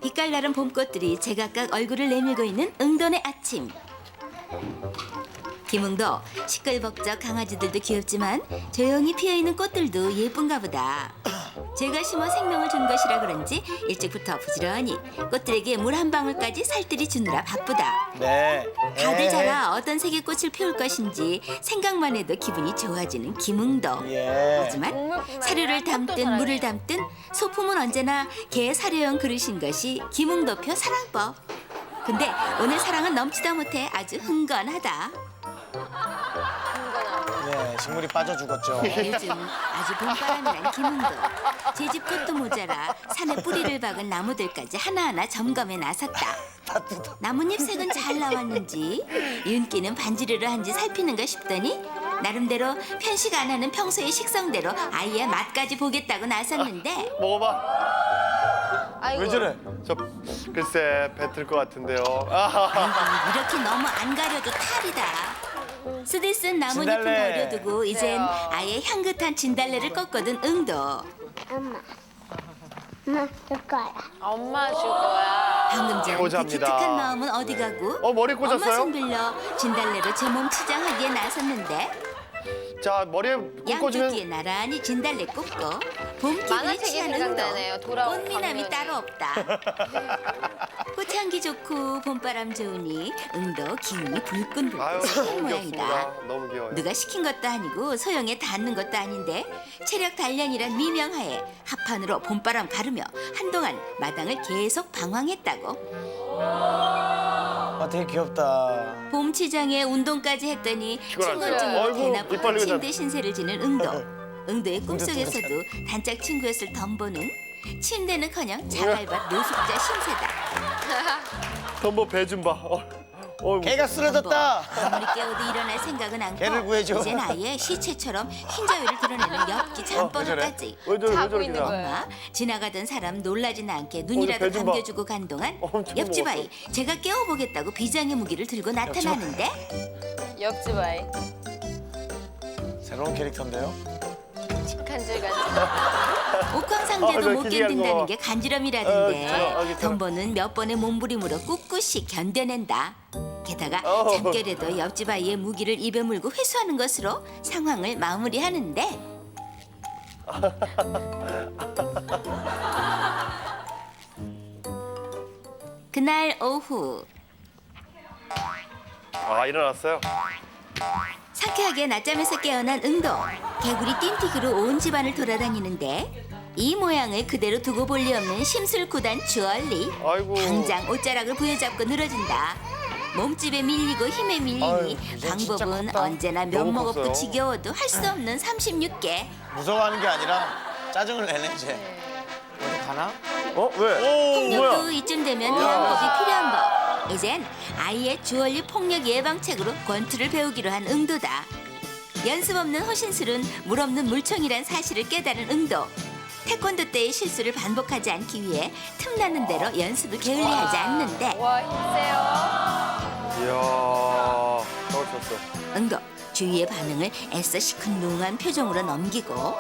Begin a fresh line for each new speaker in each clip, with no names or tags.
빛깔나는 봄꽃들이 제각각 얼굴을 내밀고 있는 응돈의 아침. 김응도 시끌벅적 강아지들도 귀엽지만 조용히 피어있는 꽃들도 예쁜가 보다. 제가 심어 생명을 준 것이라 그런지 일찍부터 부지런히 꽃들에게 물 한 방울까지 살뜰히 주느라 바쁘다.
네.
다들 자라 어떤 색의 꽃을 피울 것인지 생각만 해도 기분이 좋아지는 김응도.
예.
하지만 사료를 담든 물을 담든 소품은 언제나 개 사료용 그릇인 것이 김응도표 사랑법. 근데 오늘 사랑은 넘치다 못해 아주 흥건하다.
예, 식물이 빠져 죽었죠.
요즘 아주 봄바람이란 김응도. 제 집 꽃도 모자라 산에 뿌리를 박은 나무들까지 하나하나 점검에 나섰다. 나뭇잎 색은 잘 나왔는지 윤기는 반지르르 한지 살피는가 싶더니 나름대로 편식 안 하는 평소의 식성대로 아이의 맛까지 보겠다고 나섰는데
먹어봐.
아이고.
왜 저래?
저 글쎄 뱉을 것 같은데요.
아이고 이렇게 너무 안 가려도 탈이다. 쓰디쓴 나뭇잎은
진달래.
버려두고 이젠 아예 향긋한 진달래를 꺾거든 응도.
엄마. 엄마 줄 거야.
엄마 줄 거야.
방금 전 그
꽂아합니다.
기특한 마음은 어디 가고
머리 꽂았어요?
엄마 손 빌려 진달래로 제 몸 치장하기에 나섰는데
자, 머리에
양쪽
꽂으면
귀에 나란히 진달래 꽂고 봄 기분이
만화책이
취한
생각나네요.
응도
돌아온
꽃미남이
광년이.
따로 없다. 꽃향기 좋고 봄바람 좋으니 응도 기운이
아유,
불끈불끈 솟는
너무
모양이다.
귀엽습니다. 너무 귀여워요.
누가 시킨 것도 아니고 소영에 닿는 것도 아닌데 체력 단련이란 미명하에 합판으로 봄바람 가르며 한동안 마당을 계속 방황했다고.
아, 되게 귀엽다.
봄치장에 운동까지 했더니
피곤하죠.
친건증으로
아이고,
대나무로
이빨 흘리고
침대 신세를 지는 응도. 응도의 꿈속에서도 단짝 친구였을 덤보는 침대는커녕 자갈밭 노숙자 신세다.
덤보 배 좀 봐.
개가 쓰러졌다.
아무리 깨워도 일어날 생각은 않고
개를 구해줘.
이젠 아예 시체처럼 흰자위를 드러내는 엽기 잠버릇까지.
왜 저래, 왜
자고
저래,
있는
그냥.
거예요.
엄마 지나가던 사람 놀라진 않게 눈이라도
배 좀 봐.
감겨주고 간 동안
엄청
옆집
먹었어.
아이 제가 깨워보겠다고 비장의 무기를 들고 나타나는데
옆집 아이.
새로운 캐릭터인데요.
간질간질.
옥황상제도
나
못
기괴한
견딘다는
거.
게 간지럼이라던데
괜찮아.
덤보는 몇 번의 몸부림으로 꿋꿋이 견뎌낸다. 게다가 잠결에도 옆집 아이의 무기를 입에 물고 회수하는 것으로 상황을 마무리하는데 그날 오후
일어났어요.
상쾌하게 낮잠에서 깨어난 응도 개구리 띵틱으로 온 집안을 돌아다니는데 이 모양을 그대로 두고 볼 리 없는 심술구단 주얼리.
아이고.
당장 옷자락을 부여잡고 늘어진다. 몸집에 밀리고 힘에 밀리니
아유, 이제 진짜
방법은
컸다.
언제나
너무
면목 없고
컸어요.
지겨워도 할 수 없는 36개.
무서워하는 게 아니라 짜증을 내네 이제. 어디 가나?
왜?
폭력도 이쯤 되면 대안법이 필요한 법. 이젠 아이의 주얼리 폭력 예방책으로 권투를 배우기로 한 응도다. 연습 없는 호신술은 물 없는 물총이란 사실을 깨달은 응도. 태권도 때의 실수를 반복하지 않기 위해 틈나는 대로 연습을 게을리하지 않는데
와 힘세요.
이야, 저걸 쳤어.
응도 주위의 반응을 애써 시큰둥한 표정으로 넘기고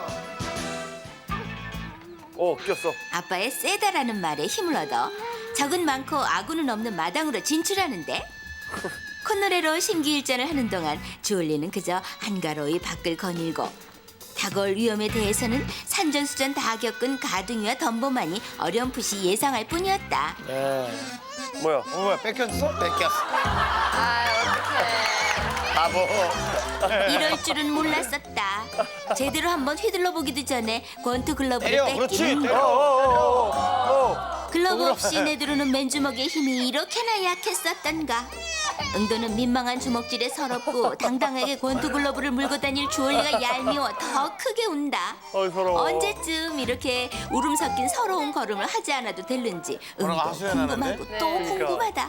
꼈어.
아빠의 세다라는 말에 힘을 얻어 적은 많고 아군은 없는 마당으로 진출하는데 콧노래로 심기일전을 하는 동안 주얼리는 그저 한가로이 밖을 거닐고 다가올 위험에 대해서는 산전수전 다 겪은 가둥이와 덤보만이 어렴풋이 예상할 뿐이었다.
예.
뭐야?
뭐야 뺏겼어? 뺏겼어.
아 어떡해.
바보.
이럴 줄은 몰랐었다. 제대로 한번 휘둘러 보기도 전에 권투 글러브를
때려. 그렇지.
뺏기는
때려.
글러브 없이 내두르는 맨주먹의 힘이 이렇게나 약했었던가. 응도는 민망한 주먹질에 서럽고 당당하게 권투 글러브를 물고 다닐 주얼리가 얄미워 더 크게 운다.
서러워.
언제쯤 이렇게 울음 섞인 서러운 걸음을 하지 않아도 될는지
뭐라고
응도
하소연
궁금하고
하는데?
또
네.
궁금하다.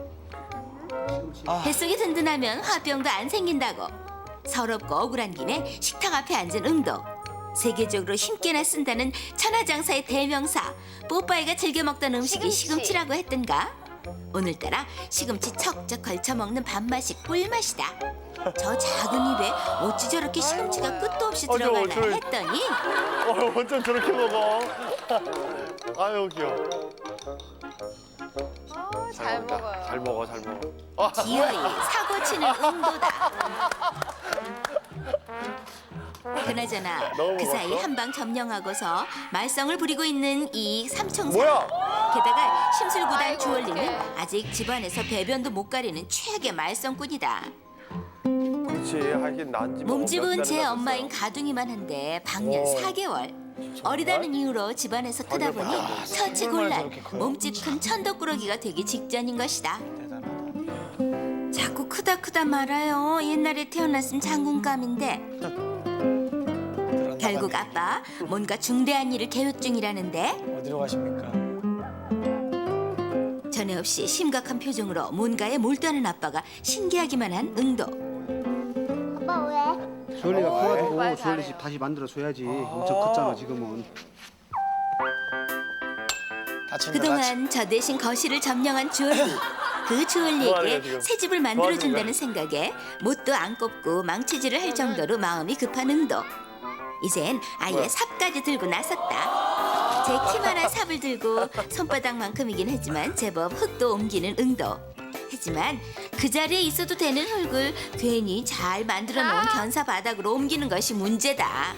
뱃속이 든든하면 화병도 안 생긴다고. 서럽고 억울한 김에 식탁 앞에 앉은 응도. 세계적으로 힘께나 쓴다는 천하장사의 대명사 뽀빠이가 즐겨 먹던 음식이
시금치.
시금치라고 했던가. 오늘따라 시금치 척척 걸쳐 먹는 밥맛이 꿀맛이다. 저 작은 입에 어찌 저렇게 시금치가 끝도 없이 들어가나 했더니
어쩜 저렇게 먹어? 아유, 귀여워.
잘 먹어요.
잘 먹어, 잘 먹어.
기어이 사고치는 응도다. 그나저나
너무
그 사이
먹었어?
한 방 점령하고서 말썽을 부리고 있는 이 삼총사.
뭐야?
게다가 심술구단
아이고,
주얼리는
어떡해.
아직 집안에서 배변도 못 가리는 최악의 말썽꾼이다.
그렇지, 하긴 난지.
몸집은 제 엄마인 가둥이만 한데 방년 4개월. 어리다는 이유로 집안에서 크다 보니 처치곤란, 몸집 큰 천덕꾸러기가 되기 직전인 것이다. 자꾸 크다 말아요. 옛날에 태어났으면 장군감인데. 결국 아빠 뭔가 중대한 일을 계획 중이라는데
어디로 가십니까?
전에 없이 심각한 표정으로 뭔가에 몰두하는 아빠가 신기하기만 한 응도.
아빠 왜?
주얼리가 커가지고
말
주얼리
잘해요.
집 다시 만들어줘야지. 엄청 컸잖아 지금은.
다친다.
그동안 저 대신 거실을 점령한 주얼리. 그
뭐하는 거야,
주얼리에게
지금?
새 집을 만들어준다는 생각에 못도 안 꼽고 망치질을 할 정도로 마음이 급한 응도. 이젠 아예
뭐야?
삽까지 들고 나섰다. 제 키만한 삽을 들고 손바닥만큼이긴 하지만 제법 흙도 옮기는 응도. 하지만 그 자리에 있어도 되는 흙을 괜히 잘 만들어 놓은 견사 바닥으로 옮기는 것이 문제다.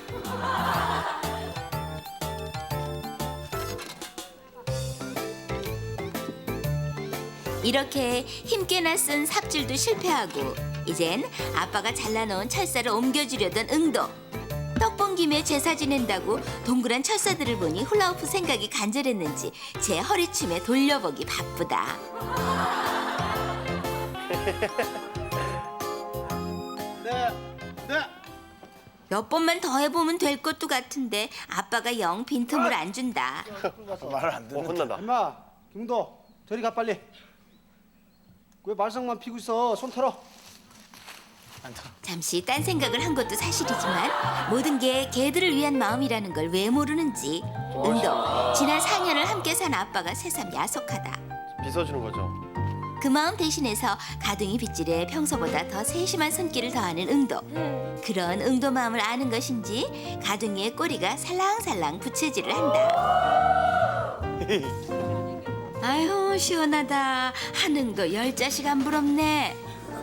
이렇게 힘께나 쓴 삽질도 실패하고 이젠 아빠가 잘라놓은 철사를 옮겨주려던 응도. 떡본 김에 제사 지낸다고 동그란 철사들을 보니 훌라후프 생각이 간절했는지 제 허리춤에 돌려보기 바쁘다. 몇 번만 더 해보면 될 것도 같은데 아빠가 영 빈틈을 안 준다.
말을 안 듣는.
혼난다.
엄마, 김도 저리 가 빨리. 왜 말썽만 피고 있어? 손 털어.
잠시 딴 생각을 한 것도 사실이지만 모든 게 개들을 위한 마음이라는 걸 왜 모르는지 응도 지난 4년을 함께 산 아빠가 새삼 야속하다.
빗어주는 거죠.
그 마음 대신해서 가둥이 빗질에 평소보다 더 세심한 손길을 더하는 응도. 그런 응도 마음을 아는 것인지 가둥이의 꼬리가 살랑살랑 부채질을 한다. 아유 시원하다. 한응도 10자식 안 부럽네.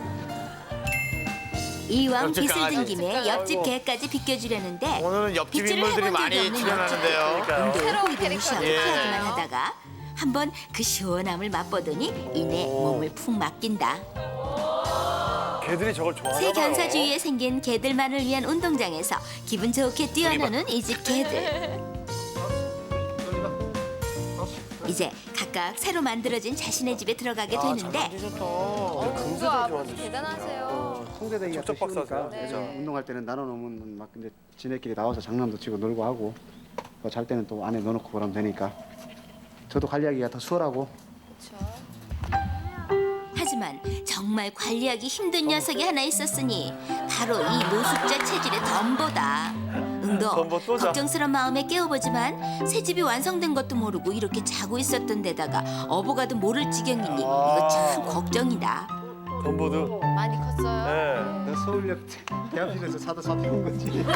이왕
옆집
빗을 든
강아지.
김에 옆집 개까지 비껴주려는데
오늘은 옆집
빗질을
인물들이
해본 적이
많이
없는
출연하는데요.
그러니까요.
응도의
새로운
호의도 무시하고
캐릭터네요.
피하기만 하다가 한번 그 시원함을 맛보더니 이내 몸을 푹 맡긴다.
개들이 저걸 좋아하나
새
봐요.
견사주위에 생긴 개들만을 위한 운동장에서 기분 좋게 뛰어노는 이 집 개들. 이제 각각 새로 만들어진 자신의 집에 들어가게 되는데
응도
금세들
아버지
좋아하는데.
대단하세요.
송대대기가
척척
또 쉬우니까
박사세요.
그래서
네.
운동할 때는 나눠놓으면 막 근데 지네끼리 나와서 장난도 치고 놀고 하고 뭐잘 때는 또 안에 넣어놓고 그러면 되니까 저도 관리하기가 더 수월하고.
그렇죠.
하지만 정말 관리하기 힘든 녀석이 하나 있었으니 바로 이 노숙자 체질의 덤보다. 응도
덤보 또 자.
걱정스런 마음에 깨워보지만 새 집이 완성된 것도 모르고 이렇게 자고 있었던 데다가 어부가도 모를 지경이니 이거 참 걱정이다.
덤보드.
많이 컸어요.
네.
내가 서울역 대합실에서 사다 잡혀온 거지.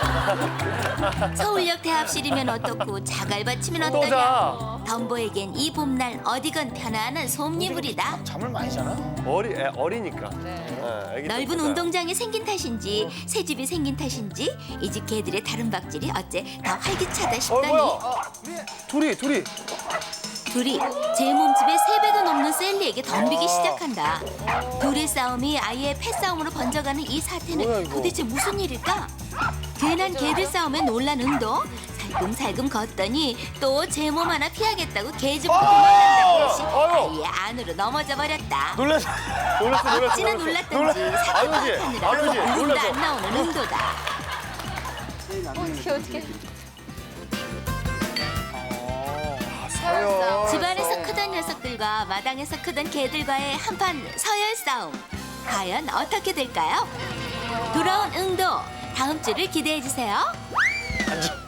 서울역 대합실이면 어떻고 자갈밭이면
또
어떠냐.
자.
덤보에겐 이 봄날 어디건 편안한 솜니물이다.
잠을 많이 자나?
어리니까.
네.
네, 애기
넓은
때니까요.
운동장이 생긴 탓인지 새 집이 생긴 탓인지 이 집 개들의 다른 박질이 어째 더 활기차다 싶더니
뭐야? 둘이.
둘이 제 몸집의 3배도 넘는 셀리에게 덤비기 시작한다. 둘의 싸움이 아예 패싸움으로 번져가는 이
뭐야,
사태는
이거?
도대체 무슨 일일까? 괜한 개들 싸움에 놀란 응도 살금살금 걷더니 또 제 몸 하나 피하겠다고 개집으로 도망간다고 듯이
아유!
아예 안으로 넘어져 버렸다.
놀랐어.
어찌나 놀랐던지 사태
아버지,
파악하느라
아버지,
이름도
놀랐어.
안 나오는 응도다.
어떻게.
서열.
집안에서 크던 녀석들과 마당에서 크던 개들과의 한판 서열 싸움. 과연 어떻게 될까요? 돌아온 응도 다음 주를 기대해 주세요.